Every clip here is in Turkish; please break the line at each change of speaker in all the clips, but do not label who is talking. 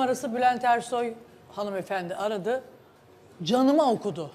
numarası Bülent Ersoy hanımefendi aradı. Canıma okudu.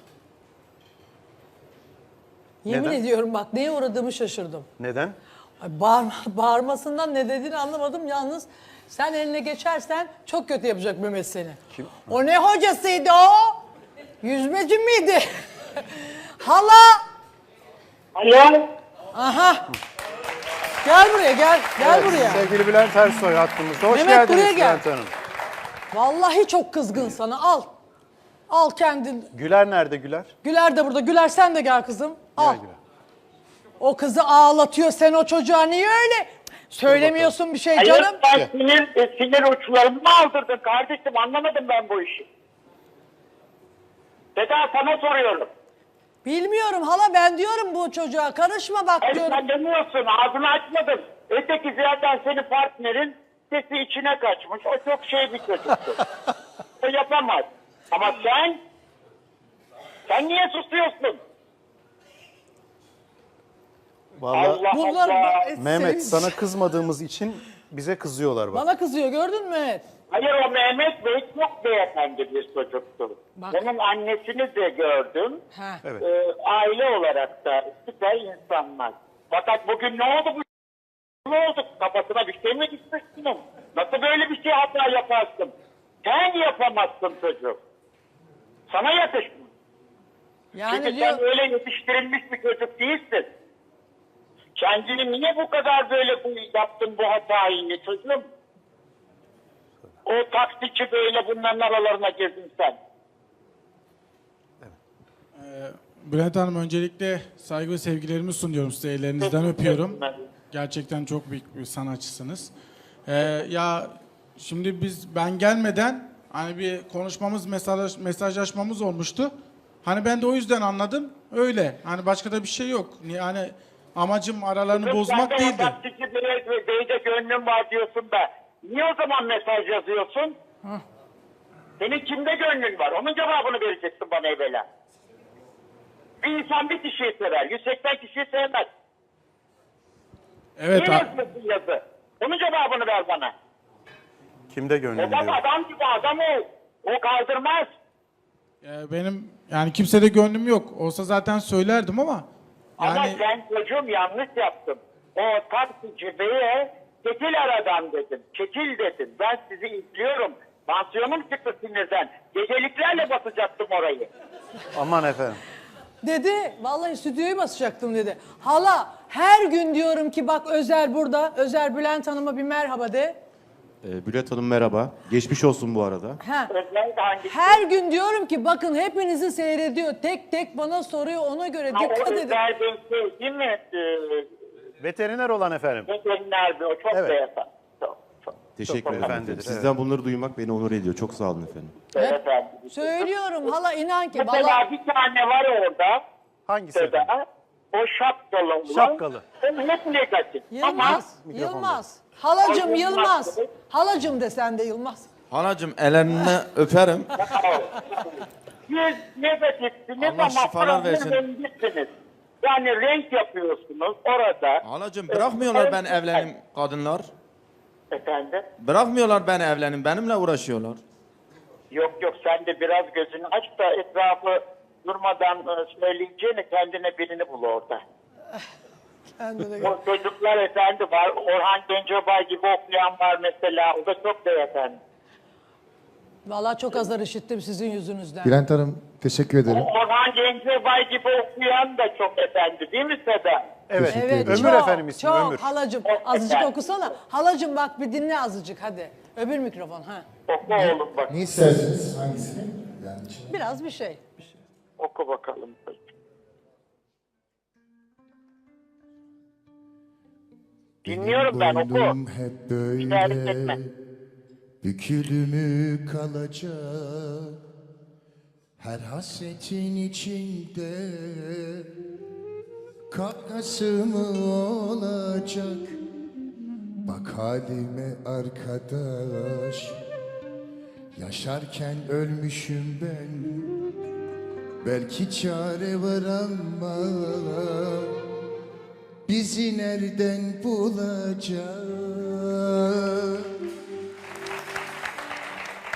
Yemin
Neden?
ediyorum bak neye uğradığımı şaşırdım.
Neden?
Ay, bağırmasından ne dediğini anlamadım. Yalnız sen eline geçersen çok kötü yapacak Mehmet seni.
Kim?
O ne hocasıydı o? Yüzmeci miydi? Hala.
Alo.
Aha. Gel buraya gel. Gel
Evet,
buraya.
Sevgili Bülent Ersoy hattımızda. Hoş
Mehmet, buraya
geldiniz
gel.
Bülent Hanım.
Vallahi çok kızgın sana. Al. Al kendin.
Güler nerede Güler?
Güler de burada. Güler sen de gel kızım. Al.
Gel Güler.
O kızı ağlatıyor. Sen o çocuğa niye öyle söylemiyorsun bir şey
Hayır,
canım?
sen sinir uçlarımı mı aldırdın kardeşim? Anlamadım ben bu işi. Seda sana soruyorum.
Bilmiyorum hala ben diyorum bu çocuğa karışma bak
Hayır
diyorum.
sen demiyorsun. Ağzını açmadın. Öteki zaten senin partnerin sesi içine kaçmış. O çok şey bir çocuktu. O yapamaz. Ama sen niye susuyorsun?
Vallahi
Allah
Bunlar
Allah.
Mehmet sana kızmadığımız için bize kızıyorlar bak.
Bana kızıyor gördün mü Mehmet?
Hayır o Mehmet Bey çok beyefendi bir çocuktu.
Bak.
Onun annesini de gördüm.
Ha.
Evet.
Aile olarak da süper insanlar. Fakat bugün ne oldu bu? Ne oldu? Kafasına bir şey mi gitmişsin? Nasıl böyle bir şey hata yaparsın? Sen yapamazsın çocuk. Sana yakışmıyor.
Yani
Çünkü
diyor
sen öyle yetiştirilmiş bir çocuk değilsin. Kendini niye bu kadar böyle yaptın bu hatayı çocuğum? O taksici böyle bunların aralarına girdin sen.
Bülent Hanım öncelikle saygı ve sevgilerimi sunuyorum size. Ellerinizden öpüyorum. Gerçekten çok büyük bir sanatçısınız. Ya şimdi ben gelmeden hani bir konuşmamız, mesajlaşmamız olmuştu. Hani ben de o yüzden anladım. Öyle. Hani başka da bir şey yok. Yani amacım aralarını bozmak
Sen de o
değildi.
taksici beyde gönlüm var diyorsun da niye o zaman mesaj yazıyorsun? Senin kimde gönlün var? Onun cevabını vereceksin bana evvela. Bir insan bir kişiyi sever. 180 kişiyi sevmez.
Evet.
Niye yazıyorsun yazı? Onun cevabını ver bana.
Kimde gönlüm
Adam
diyor.
adam gibi adam o. O kaldırmaz.
Benim yani kimsede gönlüm yok. Olsa zaten söylerdim ama
Ama
yani
sen çocuğum yanlış yaptın. O taksici beye çekil aradan dedim. Çekil dedim. Ben sizi izliyorum. Tansiyonum çıktı sinirden. Geceliklerle basacaktım orayı.
Aman efendim.
dedi vallahi stüdyoyu basacaktım dedi. Hala her gün diyorum ki bak Özer burada. Özer Bülent Hanım'a bir merhaba de.
Bülent Hanım merhaba. Geçmiş olsun bu arada.
Ha.
Özellikle hangisi?
Her gün diyorum ki bakın hepinizi seyrediyor. Tek tek bana soruyor ona göre
Ha,
dikkat
o
edin.
özel bir şey değil mi?
Veteriner olan efendim.
Veteriner bir o çok
Evet.
beyefendi. Çok
Teşekkür ederim
hanımefendidir,
efendim. Sizden bunları duymak beni onur ediyor. Çok sağ olun efendim.
beyefendi.
Söylüyorum hala inan ki. Vallahi
Mesela bir tane var orada.
Hangisi efendim?
Seda. O şapkalı olan.
Şapkalı.
Onun hep negatif. Ama
Yılmaz. Yılmaz. Halacım
O
Yılmaz.
Yılmaz.
Halacım de sen de Yılmaz.
Halacığım ellerini öperim.
siz negatifsiniz
Allah
ama
şifalar versin.
rengisiniz. Yani renk yapıyorsunuz orada.
Halacığım bırakmıyorlar ben evlenim kadınlar.
Efendim?
Bırakmıyorlar ben evlenim. Benimle uğraşıyorlar.
Yok sen de biraz gözünü aç da etrafı durmadan söyleyeceğine kendine birini bul orada.
Kendine
O çocuklar efendi var. Orhan Gencebay gibi okuyan var mesela. O da çok beyefendi.
Vallahi çok azar işittim sizin yüzünüzden.
Bülent Hanım teşekkür ederim.
Orhan Gencebay gibi okuyan da çok efendi değil mi Seda?
Evet.
Evet,
Ömür
çok,
efendim ismi
çok.
Ömür.
Halacım
Evet.
azıcık okusana. Halacım bak bir dinle azıcık hadi. Öbür mikrofon ha.
Oku oğlum bak.
Ne istersiniz? Hangisini? Yani
Biraz bir şey.
Oku bakalım. Dinliyorum ben oku.
boynum hep
İşaret etme.
böyle bükülü kalacak. Her hasretin içinde kakası mı olacak? Bak halime arkadaş, yaşarken ölmüşüm ben. Belki çare var ama bizi nereden bulacak?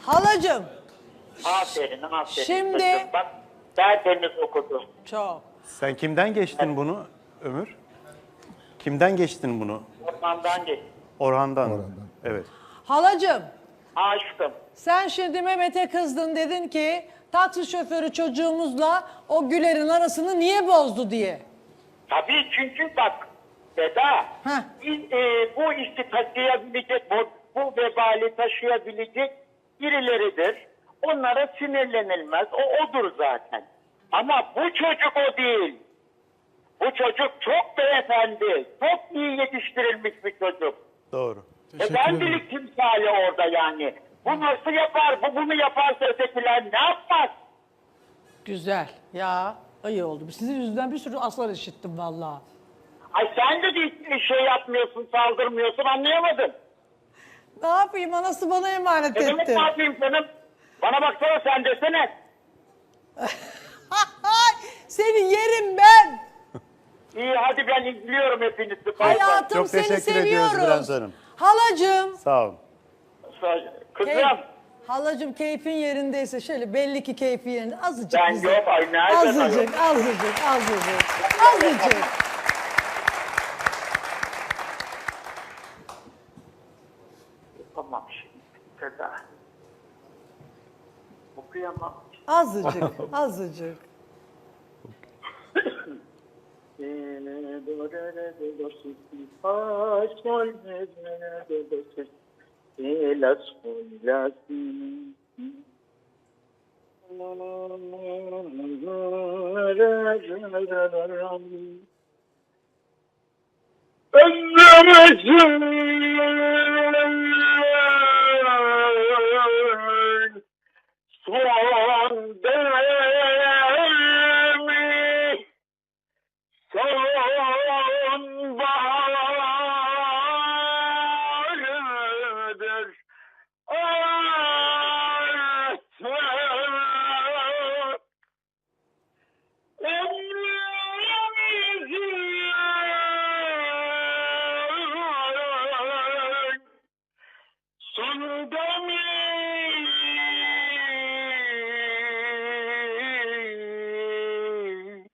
Halacığım
Aferin, aferin.
Şimdi-
Kızım, bak tertemiz okudu.
çok.
Sen kimden geçtin bunu Ömür? Kimden geçtin bunu?
Ormandan geç.
Orhan'dan. Evet.
Halacığım
Aşkım.
sen şimdi Mehmet'e kızdın dedin ki taksi şoförü çocuğumuzla o Güler'in arasını niye bozdu diye.
Tabii çünkü bak Seda,
Heh.
biz, bu işi taşıyabilecek, bu vebali taşıyabilecek birileridir. Onlara sinirlenilmez. O odur zaten. Ama bu çocuk o değil. Bu çocuk çok beyefendi, çok iyi yetiştirilmiş bir çocuk.
Doğru.
Teşekkür
Ben
ederim.
bilik timsali orada yani. Bu nasıl yapar, bu bunu yaparsa ötekiler ne yapmaz?
Güzel ya iyi oldu. Sizin yüzünden bir sürü aslar işittim vallahi.
Ay sen de bir şey yapmıyorsun, saldırmıyorsun, anlayamadım.
Ne yapayım anası bana emanet
Ne demek
etti.
ne yapayım canım? Bana baksana sen desene.
Seni yerim ben.
İyi hadi ben izliyorum hepinizi. Bay bay.
Hayatım
Çok
seni
teşekkür ediyoruz
seviyoruz.
Bülent Hanım.
Halacığım.
Sağ olun.
Kızım
Halacığım keyfin yerindeyse şöyle belli ki keyfi yerinde azıcık
ben
bize.
yok ay nereden
Azıcık, azıcık, azıcık, azıcık.
Tamam şimdi. Seda. Okuyamam.
Azıcık, azıcık.
Ömrümüzün son dönemi sonbaharıdır artık. Ömrümüzün son dönemi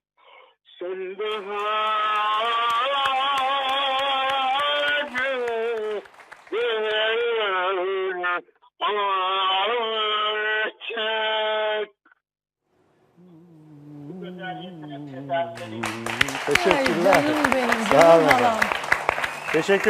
sonbaharıdır artık.
Ay
Teşekkürler.
canım benim,
Sağ olun
canım
efendim.
halam.
Teşekkür